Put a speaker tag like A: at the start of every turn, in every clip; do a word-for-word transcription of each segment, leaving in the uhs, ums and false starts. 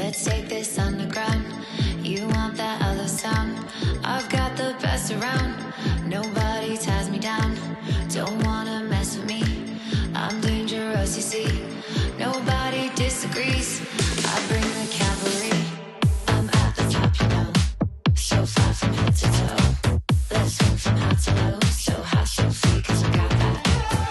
A: Let's take this underground. You want that other sound? I've got the best around. Nobody ties me down. Don't wanna mess with me. I'm dangerous, you see. Nobody disagrees. I bring the cavalry. I'm at the top, you know. So far from head to toe. Let's swing from high to low. So high, so free, 'cause I got that.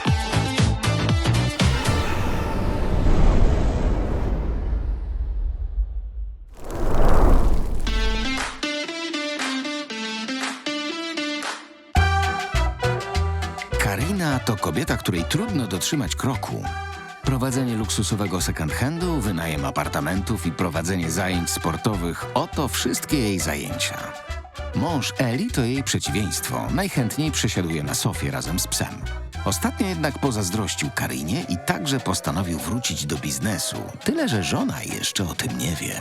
B: Karina to kobieta, której trudno dotrzymać kroku. Prowadzenie luksusowego second-handu, wynajem apartamentów i prowadzenie zajęć sportowych – oto wszystkie jej zajęcia. Mąż Eli to jej przeciwieństwo. Najchętniej przesiaduje na sofie razem z psem. Ostatnio jednak pozazdrościł Karinie i także postanowił wrócić do biznesu. Tyle, że żona jeszcze o tym nie wie.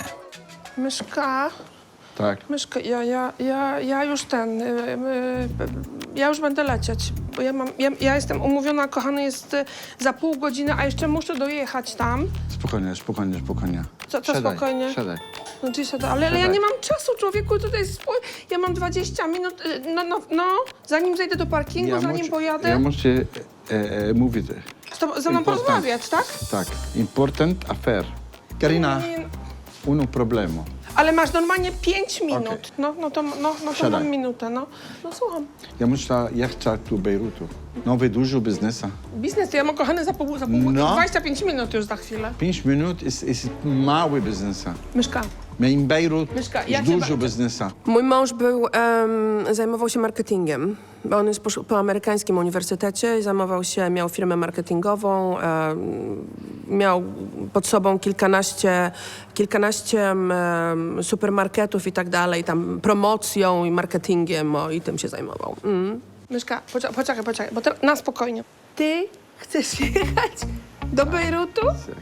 C: Myszka,
D: Tak.
C: myszka, ja, ja, ja, ja już ten, y, y, ja już będę lecieć, bo ja mam, ja, ja jestem umówiona, kochany jest y, za pół godziny, a jeszcze muszę dojechać tam.
D: Spokojnie, spokojnie, spokojnie.
C: Co, co
D: Siadaj,
C: spokojnie?
D: Siadaj.
C: No, gdzie siada? Ale, ale ja nie mam czasu, człowieku, tutaj jest, spój- ja mam dwadzieścia minut, y, no, no, no, zanim zejdę do parkingu, zanim
D: muszę-
C: pojadę,
D: Ja muszę e, e, mówić.
C: z tobą, ze mną
D: Important.
C: porozmawiać, tak?
D: Tak, important affair. Karina,
C: Nie,
D: uno problemo.
C: ale masz normalnie pięć minut,
D: Okej.
C: no, no to, no, no to
D: Siadaj.
C: mam minutę, no, no słucham.
D: Ja muszę jechać do Bejrutu. Nowy, dużo biznesa.
C: Biznes to ja mam, kochany, za pół, za pół
D: No.
C: dwadzieścia pięć minut już za chwilę.
D: Pięć minut jest, jest mały biznesa.
C: Myszka.
D: My in Bejrut
C: Mieszka,
D: jest
C: ja cię
D: dużo
C: bardzo-
D: biznesa.
E: Mój mąż był, em, zajmował się marketingiem, bo on jest po, po amerykańskim uniwersytecie i zajmował się, miał firmę marketingową, em, miał pod sobą kilkanaście, kilkanaście em, supermarketów i tak dalej, tam promocją i marketingiem o, i tym się zajmował. Mm.
C: Myszka, poczekaj, poczekaj, poczekaj, bo teraz na spokojnie. Ty chcesz jechać do Bejrutu?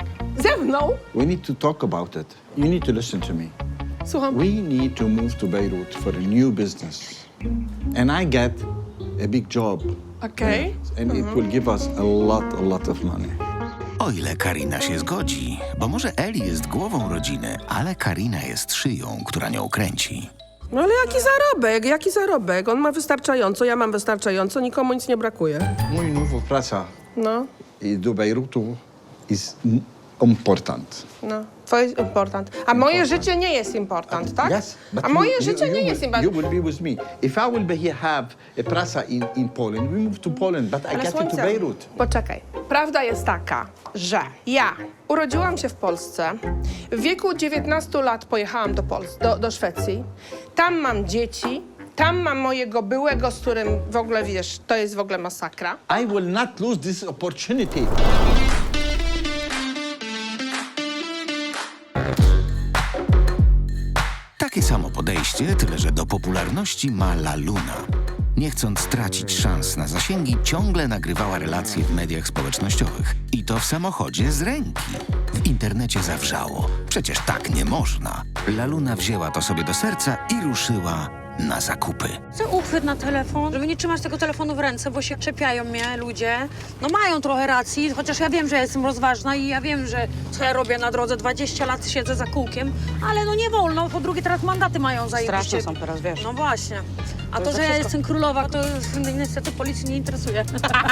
C: Ze mną?
D: We need to talk about it. You need to listen to me.
C: Słucham.
D: We need to move to Beirut for a new business. And I get a big job.
C: Okej.
D: And it will give us a lot, a lot of money.
B: O ile Karina się zgodzi, bo może Eli jest głową rodziny, ale Karina jest szyją, która nią kręci.
E: No ale jaki zarobek, jaki zarobek? On ma wystarczająco, ja mam wystarczająco, nikomu nic nie brakuje.
D: Mój nowa praca
C: No,
D: do Bejrutu jest important.
C: no. Twoje jest important. A moje życie nie jest important, tak?
D: Yes, but
C: A
D: you-
C: moje
D: you-
C: życie
D: you
C: nie
D: will-
C: jest
D: You
C: important.
D: will be with me. If I will be here have a praca in, in Poland, we move to Poland, but I
C: Ale
D: get to
C: słońce,
D: Beirut.
C: poczekaj. Prawda jest taka, że ja urodziłam się w Polsce. W wieku dziewiętnastu lat pojechałam do, Pols- do, do Szwecji. Tam mam dzieci. Tam mam mojego byłego, z którym w ogóle, wiesz, to jest w ogóle masakra.
D: I will not lose this opportunity.
B: Takie samo podejście, tyle że do popularności ma La Luna. Nie chcąc stracić szans na zasięgi, ciągle nagrywała relacje w mediach społecznościowych. I to w samochodzie z ręki. W internecie zawrzało. Przecież tak nie można. La Luna wzięła to sobie do serca i ruszyła na zakupy.
F: Chcę uchwyt na telefon, żeby nie trzymać tego telefonu w ręce, bo się czepiają mnie ludzie. No mają trochę racji, chociaż ja wiem, że ja jestem rozważna i ja wiem, że co ja robię na drodze, dwadzieścia lat siedzę za kółkiem, ale no nie wolno, po drugie teraz mandaty mają za
G: Straszne są teraz, wiesz.
F: No właśnie. A to,
G: za
F: że ja
G: wszystko.
F: jestem królowa, to niestety policji nie interesuje.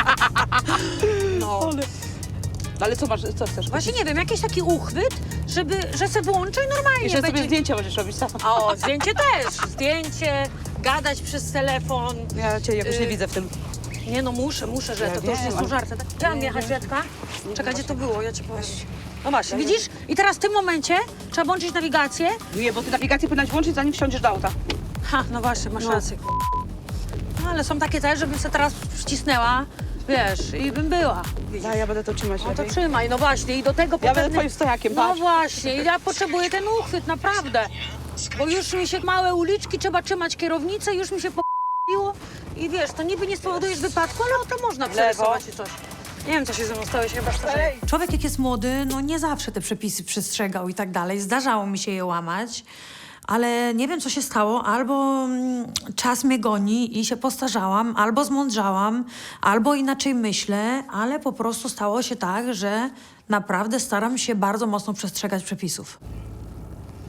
F: No.
G: Ale co masz, co chcesz?
F: Właśnie nie wiem, jakiś taki uchwyt, żeby, że se włączę i normalnie
G: I że sobie
F: będzie...
G: zdjęcia będziesz robić sama.
F: O, zdjęcie też. Zdjęcie, gadać przez telefon.
G: Ja cię jakoś nie
F: Y,
G: widzę w tym.
F: Nie no, muszę, muszę, że
G: Ja
F: to, to już
G: wiem,
F: nie są
G: ale-
F: żarty. Tak? Chciałam jechać, Rzeczka. Czekaj, gdzie to było? Ja ci powiem. No właśnie, widzisz? I teraz w tym momencie trzeba włączyć nawigację.
G: Nie, bo ty nawigację powinnaś włączyć, zanim wsiądziesz do auta.
F: Ha, no właśnie, masz rację. No, ale są takie też, żebym się teraz wcisnęła, wiesz, i bym była. Widzisz?
G: Ja, ja będę to trzymać
F: No to
G: lepiej.
F: trzymaj, no właśnie, i do tego
G: Ja będę
F: potem...
G: twoim stojakiem,
F: No
G: patrz.
F: właśnie, i ja potrzebuję ten uchwyt, naprawdę. Bo już mi się małe uliczki, trzeba trzymać kierownicę, już mi się po***iło. I wiesz, to niby nie spowodujesz wypadku, ale to można przerysować i coś. Nie wiem, co się ze mną stało, się chyba starzeję.
H: Człowiek jak jest młody, no nie zawsze te przepisy przestrzegał i tak dalej. Zdarzało mi się je łamać, ale nie wiem, co się stało. Albo mm, czas mnie goni i się postarzałam, albo zmądrzałam, albo inaczej myślę, ale po prostu stało się tak, że naprawdę staram się bardzo mocno przestrzegać przepisów.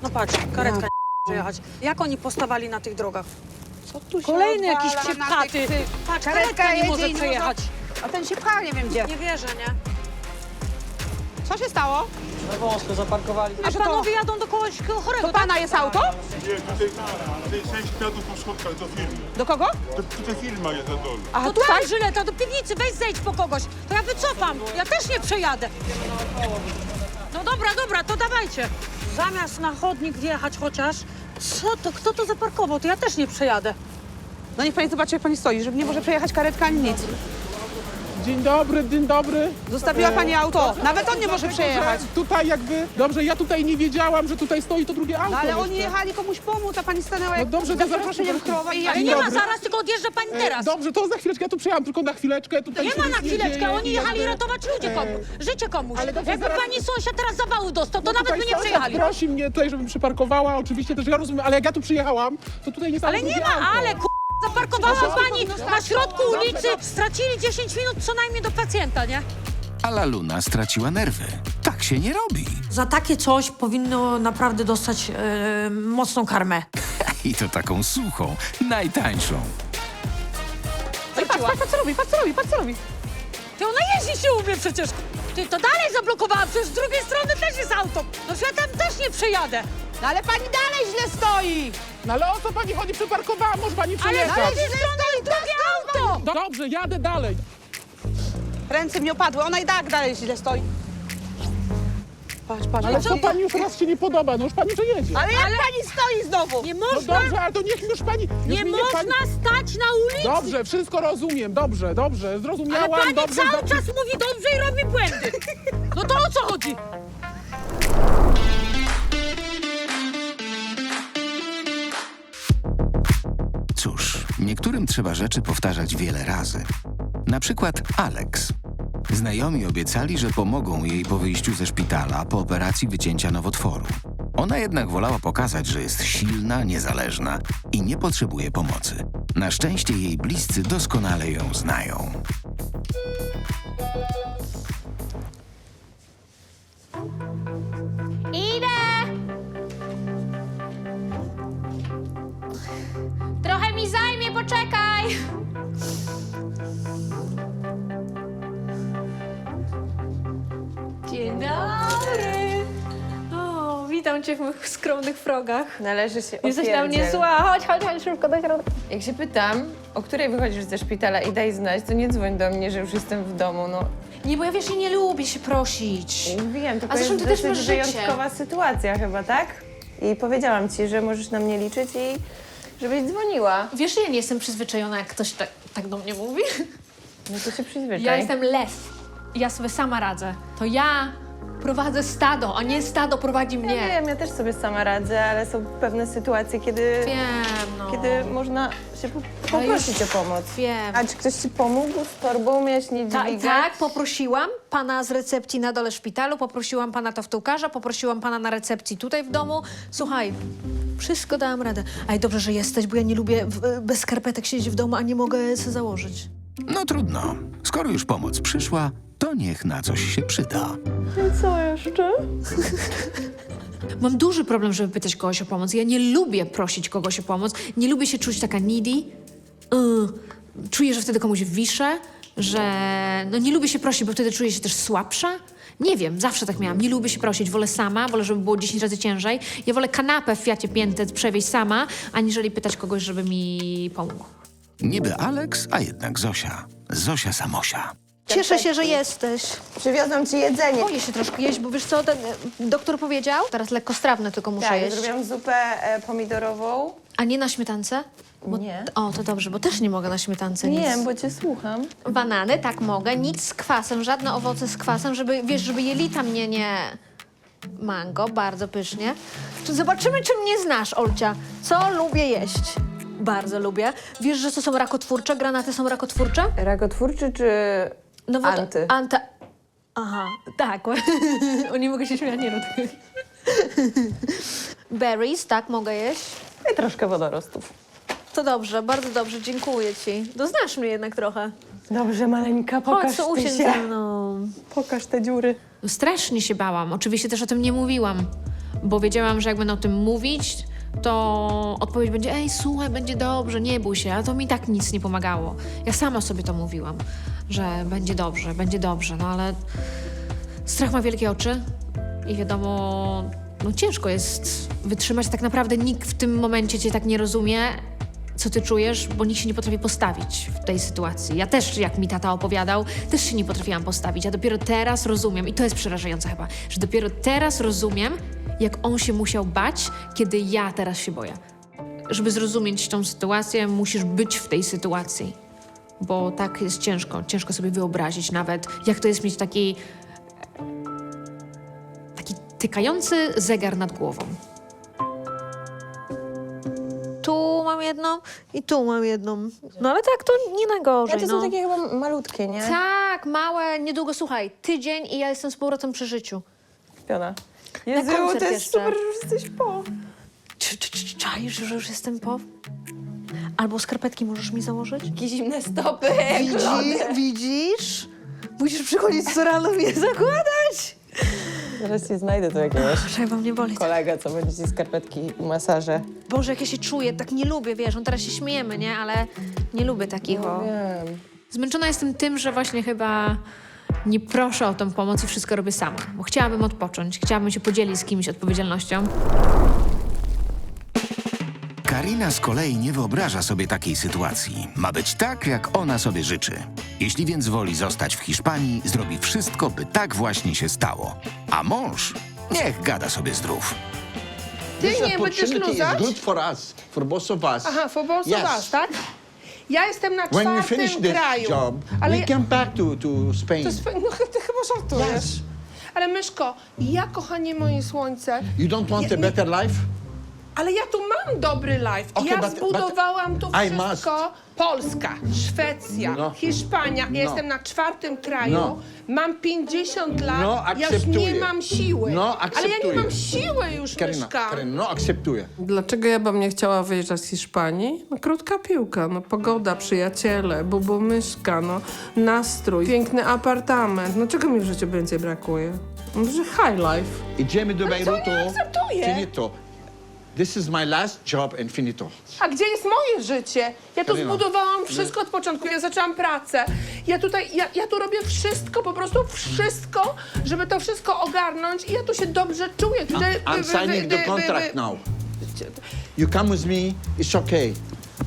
F: No patrz, karetka nie przejechać. Jak oni postawali na tych drogach?
G: Co tu się
F: Kolejny jakiś
G: odwala na
F: psiepchaty.
G: tych- tych-
F: Patrz,
G: Karetka
F: karetka nie
G: jedzie
F: może
G: i nie
F: przejechać.
G: A ten się pcha, nie wiem gdzie.
F: Nie wierzę, nie?
G: Co się stało?
I: Na wąsko zaparkowali.
F: A
G: że to-
F: panowie jadą do kogoś chorego,
G: To pana jest auto?
J: Nie, tutaj, tutaj sześć kwiatów po schodkach do firmy.
G: Do kogo?
J: To, tutaj firma jest na dole.
G: A
F: To
G: tutaj?
F: tam, Żyleta, do piwnicy, weź zejdź po kogoś. To ja wycofam, ja też nie przejadę. No dobra, dobra, to dawajcie. Zamiast na chodnik wjechać chociaż, co to, kto to zaparkował, to ja też nie przejadę.
G: No niech pani zobaczy, jak pani stoi, żeby nie może przejechać karetka ani nic.
K: Dzień dobry, dzień dobry.
G: Zostawiła pani auto. Nawet on nie może przejechać.
K: Że Tutaj jakby, dobrze, ja tutaj nie wiedziałam, że tutaj stoi to drugie auto.
G: No ale
K: jeszcze.
G: oni jechali komuś pomóc, a pani stanęła jak
K: No dobrze, to
G: z zaproszeniem
K: zaraz-
G: krowa i
F: Ale
K: Dzień
F: nie ma
K: dobry.
F: zaraz, tylko odjeżdża pani
K: E,
F: teraz.
K: Dobrze, to za chwileczkę, ja tu przyjechałam tylko na chwileczkę. Tutaj
F: Nie
K: się
F: ma
K: nic
F: na chwileczkę,
K: dzieje
F: oni
K: i
F: jechali
K: jakby-
F: ratować ludzie
K: e,
F: komu, życie komuś.
K: ale dobrze,
F: Jakby
K: zaraz-
F: pani sąsiad teraz zawału dostał, to
K: No
F: nawet
K: tutaj
F: by nie
K: sąsiad
F: przejechali.
K: prosi mnie tutaj, żebym przyparkowała, oczywiście też ja rozumiem, ale jak ja tu przyjechałam, to tutaj nie stało
F: Ale nie
K: drugie
F: ma,
K: auto.
F: ale ku... zaparkowała
K: No,
F: pani na środku ulicy, stracili dziesięć minut co najmniej do pacjenta, nie?
B: A Laluna straciła nerwy. Tak się nie robi.
H: Za takie coś powinno naprawdę dostać e, mocną karmę.
B: I to taką suchą, najtańszą.
G: No i patrz, patrz, patrz co robi, patrz co robi, patrz co robi.
F: Ty ona jeździ się umie przecież. Ty to dalej zablokowała, przecież z drugiej strony też jest auto. No że ja tam też nie przejadę.
G: No ale pani dalej źle stoi.
K: No ale o co pani chodzi? Przyparkowała, może pani
F: Ale z
K: przyjechać.
F: drugiej strony jest drugie auto.
K: Do- Dobrze, jadę dalej.
G: Ręce mi opadły, ona i tak dalej źle stoi. Patrz, patrz,
K: Ale
G: patrz.
K: co pani już raz się nie podoba, no już pani przejedzie.
G: Ale jak pani stoi znowu?
F: Nie
K: No
F: można,
K: dobrze, ale to niech już pani... Już
F: nie
K: mi
F: można
K: pani...
F: stać na ulicy.
K: Dobrze, wszystko rozumiem, dobrze, dobrze,
F: Ale
K: zrozumiałam,
F: pani
K: dobrze.
F: cały
K: dobrze.
F: czas mówi dobrze i robi błędy. No to o co chodzi?
B: Cóż, niektórym trzeba rzeczy powtarzać wiele razy. Na przykład Alex. Znajomi obiecali, że pomogą jej po wyjściu ze szpitala po operacji wycięcia nowotworu. Ona jednak wolała pokazać, że jest silna, niezależna i nie potrzebuje pomocy. Na szczęście jej bliscy doskonale ją znają.
L: Idę! Trochę mi zajmie, poczekaj! Dzień dobry! O, witam cię w moich skromnych progach.
M: Należy się
L: Jesteś na mnie
M: opierdziel.
L: zła, chodź, chodź, chodź szybko do środka.
M: Jak się pytam, o której wychodzisz ze szpitala i daj znać, to nie dzwoń do mnie, że już jestem w domu, no.
L: Nie, bo ja wiesz, ja nie lubię się prosić.
M: Wiem, tylko
L: A zresztą
M: jest
L: ty też
M: dosyć
L: masz życie.
M: wyjątkowa sytuacja chyba, tak? I powiedziałam ci, że możesz na mnie liczyć i żebyś dzwoniła.
L: Wiesz, że ja nie jestem przyzwyczajona, jak ktoś tak, tak do mnie mówi.
M: No to się przyzwyczaj.
L: Ja jestem lew. Ja sobie sama radzę. To ja prowadzę stado, a nie stado prowadzi
M: Ja
L: mnie.
M: wiem, ja też sobie sama radzę, ale są pewne sytuacje, kiedy,
L: Wiem, no.
M: kiedy można się po,
L: Ale
M: poprosić
L: już
M: o pomoc.
L: wiem.
M: A czy ktoś ci pomógł z torbą? Miałeś nie
L: Ta,
M: dźwigać?
L: tak, poprosiłam pana z recepcji na dole szpitalu, poprosiłam pana toftułkarza, poprosiłam pana na recepcji tutaj w domu. Słuchaj, wszystko dałam radę. Aj, dobrze, że jesteś, bo ja nie lubię w, bez skarpetek siedzieć w domu, a nie mogę sobie założyć.
B: No trudno. Skoro już pomoc przyszła, to niech na coś się przyda.
L: Co jeszcze? Mam duży problem, żeby pytać kogoś o pomoc. Ja nie lubię prosić kogoś o pomoc. Nie lubię się czuć taka needy. Yy, czuję, że wtedy komuś wiszę, że... No nie lubię się prosić, bo wtedy czuję się też słabsza. Nie wiem, zawsze tak miałam. Nie lubię się prosić. Wolę sama, wolę, żeby było dziesięć razy ciężej. Ja wolę kanapę w Fiacie Piętet przewieźć sama, aniżeli pytać kogoś, żeby mi pomógł.
B: Niby Alex, a jednak Zosia. Zosia Samosia.
L: Cieszę się, że jesteś.
M: Przywiozłam ci jedzenie.
L: Boję się troszkę jeść, bo wiesz co, ten e, doktor powiedział? Teraz lekkostrawne tylko muszę
M: Tak,
L: jeść.
M: zrobiłam zupę e, pomidorową.
L: A nie na śmietance? Bo,
M: Nie.
L: O, to dobrze, bo też nie mogę na śmietance nic.
M: Nie, bo cię słucham.
L: Banany, tak mogę, nic z kwasem, żadne owoce z kwasem, żeby, wiesz, żeby jelita mnie nie... Mango, bardzo pysznie. Zobaczymy, czy mnie znasz, Olcia. Co lubię jeść? Bardzo lubię. Wiesz, że to są rakotwórcze? Granaty są rakotwórcze?
M: Rakotwórczy czy
L: No bo to-
M: anty?
L: Anta... Aha, tak. O, nie mogę się śmiać, nie rób tego. Berries, tak, mogę jeść.
M: I troszkę wodorostów.
L: To dobrze, bardzo dobrze, dziękuję ci. No znasz mnie jednak trochę.
M: Dobrze, maleńka,
L: Chodź,
M: pokaż
L: to
M: ty
L: usiądź
M: się.
L: ze mną.
M: Pokaż te dziury.
L: No strasznie się bałam. Oczywiście też o tym nie mówiłam, bo wiedziałam, że jak będę o tym mówić, to odpowiedź będzie: ej, słuchaj, będzie dobrze, nie bój się, a to mi tak nic nie pomagało. Ja sama sobie to mówiłam, że będzie dobrze, będzie dobrze, no ale strach ma wielkie oczy i wiadomo, no ciężko jest wytrzymać, tak naprawdę nikt w tym momencie cię tak nie rozumie, co ty czujesz, bo nikt się nie potrafi postawić w tej sytuacji. Ja też, jak mi tata opowiadał, też się nie potrafiłam postawić, a dopiero teraz rozumiem, i to jest przerażające chyba, że dopiero teraz rozumiem, jak on się musiał bać, kiedy ja teraz się boję. Żeby zrozumieć tą sytuację, musisz być w tej sytuacji, bo tak jest ciężko, ciężko sobie wyobrazić nawet, jak to jest mieć taki, taki tykający zegar nad głową. Tu mam jedną i tu mam jedną. No ale tak, to nie najgorzej,
M: Ale to
L: no.
M: są takie chyba malutkie, nie?
L: Tak, małe, niedługo, słuchaj, tydzień i ja jestem z powrotem przy życiu.
M: Piona. Jezu,
L: koncert
M: to jest
L: jeszcze.
M: super, że już jesteś po.
L: Czy, czy, czy czaisz, że już jestem po? Albo skarpetki możesz mi założyć?
M: Jakie zimne stopy.
L: Widzi, widzisz? Musisz przychodzić co rano mi je zakładać.
M: Zaraz ci znajdę tu jakiegoś
L: Trzeba mnie boli.
M: kolegę, co będzie ci skarpetki i masaże.
L: Boże, jak ja się czuję, tak nie lubię, wiesz, no teraz się śmiejemy, nie? Ale nie lubię takich, o.
M: Wiem.
L: Zmęczona jestem tym, że właśnie chyba nie proszę o tą pomoc i wszystko robię sama. Bo chciałabym odpocząć, chciałabym się podzielić z kimś odpowiedzialnością.
B: Karina z kolei nie wyobraża sobie takiej sytuacji. Ma być tak, jak ona sobie życzy. Jeśli więc woli zostać w Hiszpanii, zrobi wszystko, by tak właśnie się stało. A mąż niech gada sobie zdrów.
C: Ty
D: This
C: nie będziesz
D: opportunity is
C: luzać?
D: good for us, for both of us.
C: Aha, for both
D: Yes.
C: of us, tak? Ja jestem na
D: When we
C: czwartym
D: finish this
C: kraju.
D: job,
C: ale
D: we
C: ja,
D: come back to, to Spain.
C: to jest, no ty chyba żartujesz.
D: Yes.
C: Ale Myszko, ja, kochanie moje słońce,
D: You don't want
C: Ja-
D: a better life?
C: ale ja tu mam dobry life.
D: Okay,
C: ja
D: but-
C: zbudowałam tu
D: I
C: wszystko. Polska, Szwecja,
D: No.
C: Hiszpania.
D: No.
C: Ja jestem na czwartym kraju.
D: No.
C: Mam pięćdziesiąt lat.
D: No,
C: ja już
D: akceptuję.
C: nie mam siły.
D: No,
C: ale ja nie
D: akceptuję.
C: mam siły już,
D: Karina,
C: Myszka.
D: Karina, no akceptuję.
E: Dlaczego ja bym nie chciała wyjeżdżać z Hiszpanii? No, krótka piłka, no pogoda, przyjaciele, bubu myszka, no nastrój, piękny apartament. No czego mi w życiu więcej brakuje? No, że high life.
D: Idziemy do Bejrutu.
C: nie akceptuję.
D: Finito. This is my last job and finito.
C: A gdzie jest moje życie? Ja tu
D: Karina.
C: zbudowałam wszystko od początku. Ja zaczęłam pracę. Ja tutaj, ja, ja tu robię wszystko, po prostu wszystko, żeby to wszystko ogarnąć i ja tu się dobrze czuję. Tutaj,
D: I'm
C: wy- wy-
D: signing
C: wy-
D: the
C: wy-
D: contract
C: wy-
D: now. You come with me, it's okay.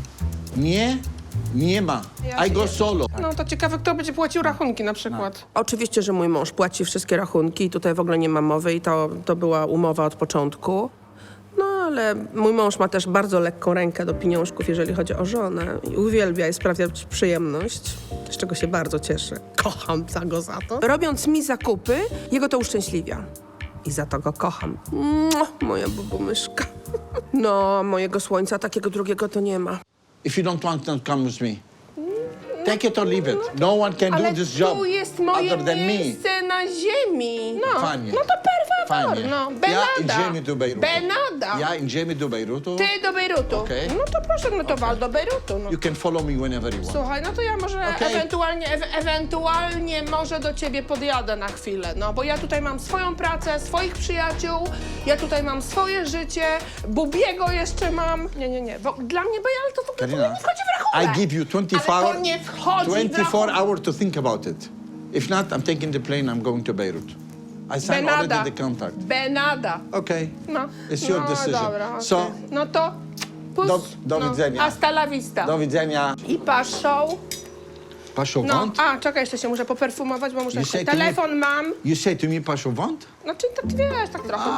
D: Nie, nie ma.
C: Ja
D: I go
C: się-
D: solo.
C: No to ciekawe, kto będzie płacił rachunki na przykład.
E: Oczywiście, że mój mąż płaci wszystkie rachunki i tutaj w ogóle nie ma mowy i to, to była umowa od początku. No ale mój mąż ma też bardzo lekką rękę do pieniążków, jeżeli chodzi o żonę. I uwielbia i sprawia przyjemność, z czego się bardzo cieszę. Kocham za go za to. Robiąc mi zakupy, jego to uszczęśliwia. I za to go kocham. Mua, moja bubumyszka. No, mojego słońca takiego drugiego to nie ma.
D: If you don't want to come with me, take it or leave it. No one can
C: Ale
D: do this job
C: tu jest moje
D: other than me.
C: miejsce na ziemi. No,
D: Fajnie.
C: no to per favor,
D: Fajnie.
C: no.
D: Ja
C: Benada.
D: idziemy do Bejrutu.
C: Benada.
D: Ja idziemy do Bejrutu.
C: Ty do Bejrutu.
D: Okej.
C: No to proszę, no to wal do Bejrutu. No.
D: You can follow me whenever you want.
C: Słuchaj, no to ja może
D: Okej.
C: ewentualnie, e ewentualnie może do ciebie podjadę na chwilę, no bo ja tutaj mam swoją pracę, swoich przyjaciół, ja tutaj mam swoje życie, Bubiego jeszcze mam. Nie, nie, nie, bo dla mnie Bejal to w ogóle
D: Karina,
C: nie wchodzi w rachunek.
D: I give you twenty-four,
C: Ale to nie wchodzi w
D: twenty-four
C: rachunek.
D: hours to think about it. If not, I'm taking the plane, I'm going to Beirut. I signed
C: Benada.
D: already the contract.
C: Benada.
D: Okay.
C: No.
D: It's your
C: no,
D: decision.
C: Dobra, okay.
D: So,
C: no to pus,
D: do- do
C: no.
D: widzenia.
C: Hasta la vista.
D: do widzenia.
C: I paszą.
D: Paszowant?
C: No, a czekaj, jeszcze się muszę poperfumować, bo muszę...
D: You say to me-
C: Telefon mam.
D: You say to me paszowant?
C: Znaczy, tak wiesz, tak trochę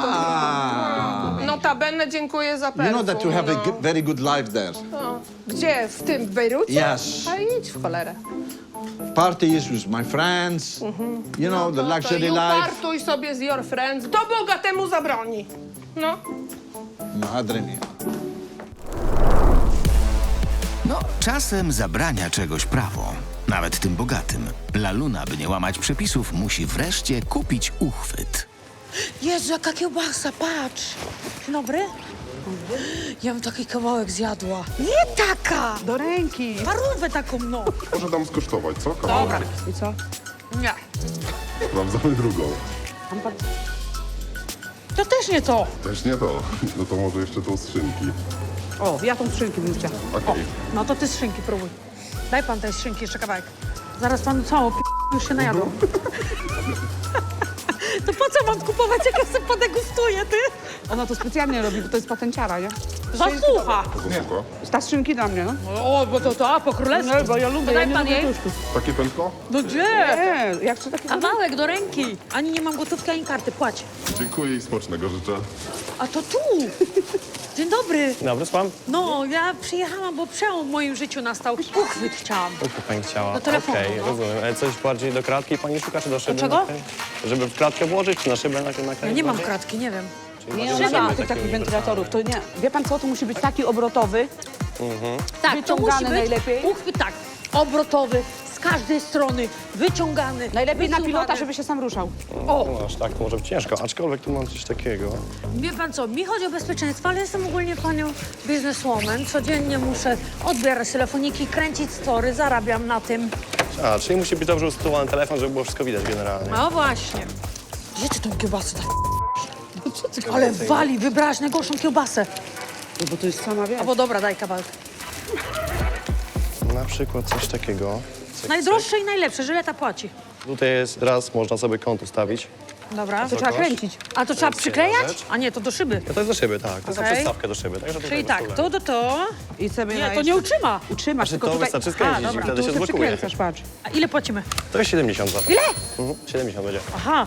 D: Ah.
C: to... Notabene dziękuję za
D: You
C: perfum.
D: know that you have a
C: no.
D: good, very good life there.
C: No. Gdzie? W tym, w Bejrucie?
D: Yes.
C: A idź w cholerę.
D: Parties with my friends, you know, the
C: No
D: luxury
C: to i
D: life.
C: upartuj sobie z your friends. Kto Boga temu zabroni? No.
D: Madre mia.
B: No, czasem zabrania czegoś prawo. Nawet tym bogatym. La Luna, by nie łamać przepisów, musi wreszcie kupić uchwyt.
F: Jezu, jaka kiełbasa, patrz. Dzień dobry. Ja bym taki kawałek zjadła. Nie taka!
G: Do ręki.
F: Parówę taką, no.
J: Może dam skosztować, co? Kawałek.
G: I co?
C: Nie.
J: Sprawdzamy drugą.
F: To też nie to.
J: Też nie to. No to może jeszcze tą skrzynki.
G: O, ja tą skrzynkę bym chciała.
J: Okej.
F: No to ty z szynki próbuj. Daj pan tej szynki jeszcze kawałek. Zaraz panu całą p... już się najadło. To po co mam kupować, jak ja sobie podegustuję, ty?
G: Ona to specjalnie robi, bo to jest patenciara, nie?
F: Zasłucha.
J: Zasłucha.
G: Ta skrzynki dla mnie, no.
F: O, bo to to, a po królewsku.
G: No, bo ja lubię,
F: To
G: ja
F: daj
G: nie
F: pan
G: lubię
F: jej.
G: tłuszczów.
J: Takie pętko?
F: No gdzie?
G: Nie, ja chcę takie...
F: Kawałek do ręki. Ani nie mam gotówki, ani karty. Płać.
J: Dziękuję i smacznego życzę.
F: A to tu. Dzień dobry.
I: Dobry, słucham?
F: No, ja przyjechałam, bo przełom w moim życiu nastał. Uchwyt chciałam.
I: Co pani chciała?
F: Do telefonu,
I: Okej,
F: no.
I: rozumiem. Ale coś bardziej do kratki pani szuka, czy do szyby?
F: czego?
I: Okej. Żeby w kratkę włożyć, czy na szybę na na
F: Ja nie mam kratki, nie wiem.
G: Nie, ona nie ma tych takich wentylatorów, to nie. Wie pan co, to musi być taki obrotowy.
F: Tak, to
G: Wyciągany
F: musi być
G: najlepiej.
F: uchwyt tak, obrotowy, z każdej strony, wyciągany.
G: Najlepiej na
F: wysuwany.
G: pilota, żeby się sam ruszał.
I: O! No aż tak, to może być ciężko, aczkolwiek tu mam coś takiego.
F: Wie pan co, mi chodzi o bezpieczeństwo, ale jestem ogólnie panią bizneswoman. Codziennie muszę odbierać telefoniki, kręcić story, zarabiam na tym.
I: A, czyli musi być dobrze usytuowany telefon, żeby było wszystko widać generalnie.
F: No właśnie. Gdzie ty tą kiełbasę tak? Ale wali, wybrałaś najgorszą kiełbasę.
G: No bo to jest sama, wiesz.
F: Albo dobra, daj kawałek.
I: Na przykład coś takiego. Cyk,
F: Najdroższe i najlepsze, żyleta płaci.
I: cyk. Tutaj jest raz, można sobie kąt ustawić.
F: Dobra.
G: To trzeba kręcić.
F: A to trzeba
I: jest
F: przyklejać?
I: jedna rzecz.
F: A nie, to do szyby.
I: No to jest do szyby, tak. To jest na
F: Okej.
I: przystawkę do szyby, także tutaj
F: Czyli
I: bez
F: tak,
I: problemu.
F: to do to.
G: I sobie
F: Nie,
G: na
F: to
G: jeszcze-
F: nie utrzyma.
G: Utrzymasz,
I: Znaczy,
G: tylko
I: to
G: tutaj...
I: wystarczy skręcić
F: A,
I: i
F: dobra.
I: wtedy
G: Tu
I: się
G: się
I: zblokuje.
G: przykręcasz, patrz.
F: A ile płacimy?
I: To jest siedemdziesiąt za to.
F: Ile?
I: Mhm, siedemdziesiąt będzie.
F: Aha.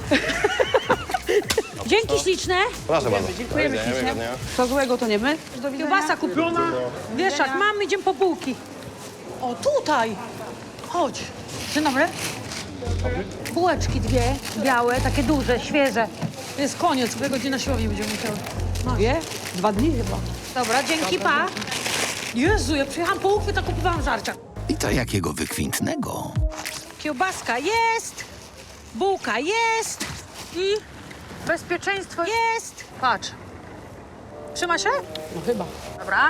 F: Dzięki śliczne.
I: Proszę bardzo.
G: Dziękujemy
I: Do widzenia,
G: ślicznie.
I: miłego dnia.
G: Co złego to nie my? Do widzenia.
F: Kiełbasa kupiona. Wieszak, mam, idziemy po bułki. O, tutaj. Chodź. Dzień dobry. Bułeczki dwie, białe, takie duże, świeże. To jest koniec, dwie godziny na siłowni będziemy musiały. Masz.
G: Wie? Dwa dni chyba.
F: Dobra, dzięki, pa. Jezu, ja przyjechałam po uchwyt, a kupowałam żarcia.
B: I to jakiego wykwintnego.
F: Kiełbaska jest, bułka jest i bezpieczeństwo jest. Patrz. Trzyma się?
G: No chyba.
F: Dobra.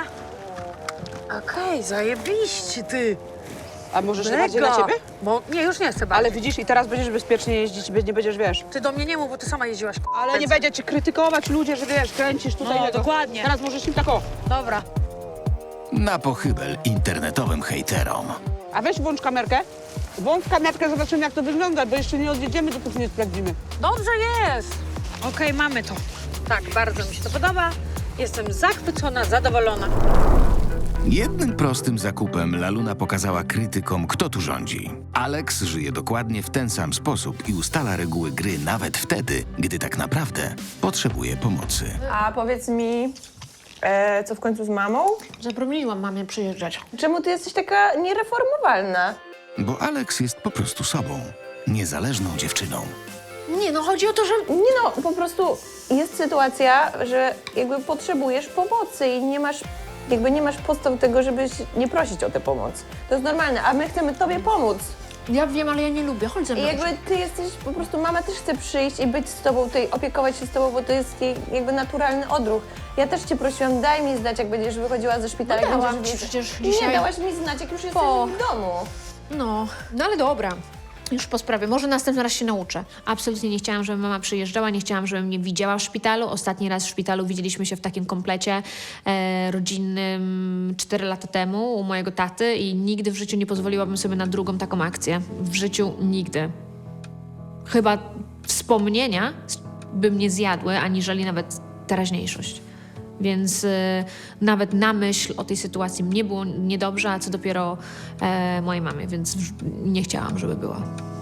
F: Okej, zajebiście, ty.
G: A możesz bardziej na ciebie?
F: Bo nie, już nie chcę
G: Ale
F: bardziej.
G: widzisz, i teraz będziesz bezpiecznie jeździć, nie będziesz, wiesz.
F: Ty do mnie nie mów, bo ty sama jeździłaś.
G: Ale nie będzie cię krytykować ludzie, że wiesz, kręcisz tutaj.
F: No,
G: tego.
F: dokładnie.
G: Teraz możesz im tak o.
F: Dobra.
B: Na pochybel internetowym hejterom.
G: A weź włącz kamerkę. Włącz kamerkę, zobaczymy jak to wygląda, bo jeszcze nie odjedziemy, dopóki nie sprawdzimy.
F: Dobrze jest. Okej, mamy to. Tak, bardzo mi się to podoba. Jestem zachwycona, zadowolona.
B: Jednym prostym zakupem Laluna pokazała krytykom, kto tu rządzi. Alex żyje dokładnie w ten sam sposób i ustala reguły gry nawet wtedy, gdy tak naprawdę potrzebuje pomocy.
M: A powiedz mi, e, co w końcu z mamą?
L: Zabroniłam mamie przyjeżdżać.
M: Czemu ty jesteś taka niereformowalna?
B: Bo Alex jest po prostu sobą, niezależną dziewczyną.
L: Nie, no chodzi o to, że...
M: Nie no, po prostu jest sytuacja, że jakby potrzebujesz pomocy i nie masz, jakby nie masz podstaw tego, żebyś nie prosić o tę pomoc. To jest normalne, a my chcemy tobie pomóc.
L: Ja wiem, ale ja nie lubię. Chodź ze
M: I
L: mną.
M: jakby ty jesteś, po prostu mama też chce przyjść i być z tobą, tutaj opiekować się z tobą, bo to jest jej jakby naturalny odruch. Ja też cię prosiłam, daj mi znać, jak będziesz wychodziła ze szpitala.
L: No
M: jak
L: dałam
M: będziesz
L: ci
M: wiedzieć.
L: przecież dzisiaj.
M: Nie, dałaś mi znać, jak już jesteś
L: Po.
M: w domu.
L: No, no ale dobra. Już po sprawie. Może następny raz się nauczę. Absolutnie nie chciałam, żeby mama przyjeżdżała, nie chciałam, żeby mnie widziała w szpitalu. Ostatni raz w szpitalu widzieliśmy się w takim komplecie e, rodzinnym cztery lata temu u mojego taty i nigdy w życiu nie pozwoliłabym sobie na drugą taką akcję. W życiu nigdy. Chyba wspomnienia by mnie zjadły, aniżeli nawet teraźniejszość. Więc y, nawet na myśl o tej sytuacji mnie było niedobrze, a co dopiero e, mojej mamie, więc w, nie chciałam, żeby była.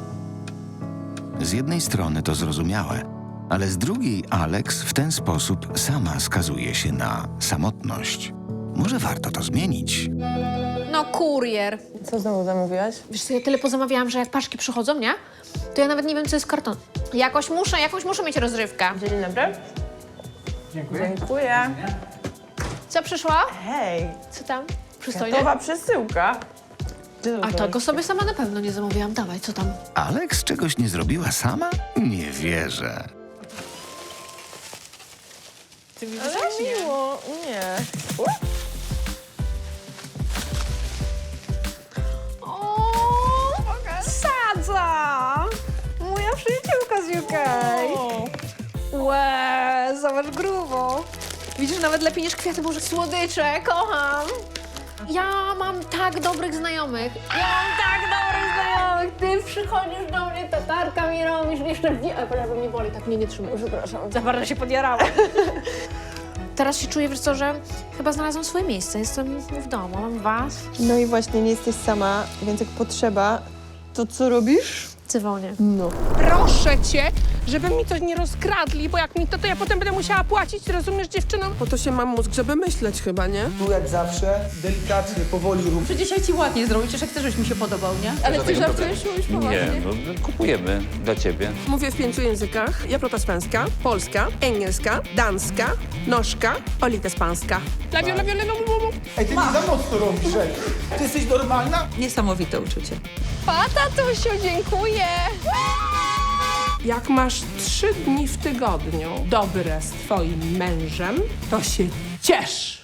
B: Z jednej strony to zrozumiałe, ale z drugiej Alex w ten sposób sama skazuje się na samotność. Może warto to zmienić.
L: No kurier.
M: Co znowu zamówiłaś?
L: Wiesz co, ja tyle pozamawiałam, że jak paczki przychodzą, nie? To ja nawet nie wiem, co jest karton. Jakoś muszę, jakąś muszę mieć rozrywkę.
M: Dzień dobry. Dziękuję. Dziękuję.
L: Co przyszło?
M: Hej,
L: Co tam? Przystojnie?
M: gotowa przesyłka.
L: A tego sobie sama na pewno nie zamówiłam. Dawaj, co tam?
B: Alex czegoś nie zrobiła sama? Nie wierzę.
M: Ale miło, nie.
L: O, Sadza! Moja przyjaciółka z U K. Łe, zobacz
N: masz grubo. Widzisz, nawet lepiej niż kwiaty, Boże, słodycze, kocham.
L: Ja mam tak dobrych znajomych.
N: Ja mam tak dobrych znajomych. Ty przychodzisz do mnie, tatarka mi robisz, jeszcze wie... A, prawie mnie boli, tak mnie nie trzymaj. Przepraszam, za bardzo się podjarałam.
L: Teraz się czuję, wiesz co, że chyba znalazłam swoje miejsce. Jestem w domu, mam was.
M: No i właśnie, nie jesteś sama, więc jak potrzeba, to co robisz?
L: Cywonie.
M: No.
C: Proszę cię, żeby mi coś nie rozkradli, bo jak mi to, to ja potem będę musiała płacić, rozumiesz, dziewczyno?
E: Po to się mam mózg, żeby myśleć chyba, nie?
K: Tu jak zawsze, delikatnie, powoli rób.
N: Że dzisiaj ci ładnie zrobić, że chcesz, żebyś mi się podobał, nie? Ale ty żartujesz, mówisz poważnie?
O: Nie, no kupujemy dla ciebie.
E: Mówię w pięciu językach. Ja protestancka, polska, angielska, danska, nożka, olitespanska.
C: Lawiu, lawiu, lawiu, lawiu.
K: Ej, ty nie za mocno robisz, ej. Ty jesteś normalna?
N: Niesamowite uczucie.
C: Pa, tatusiu, dziękuję. Jak masz trzy dni w tygodniu dobre z twoim mężem, to się ciesz.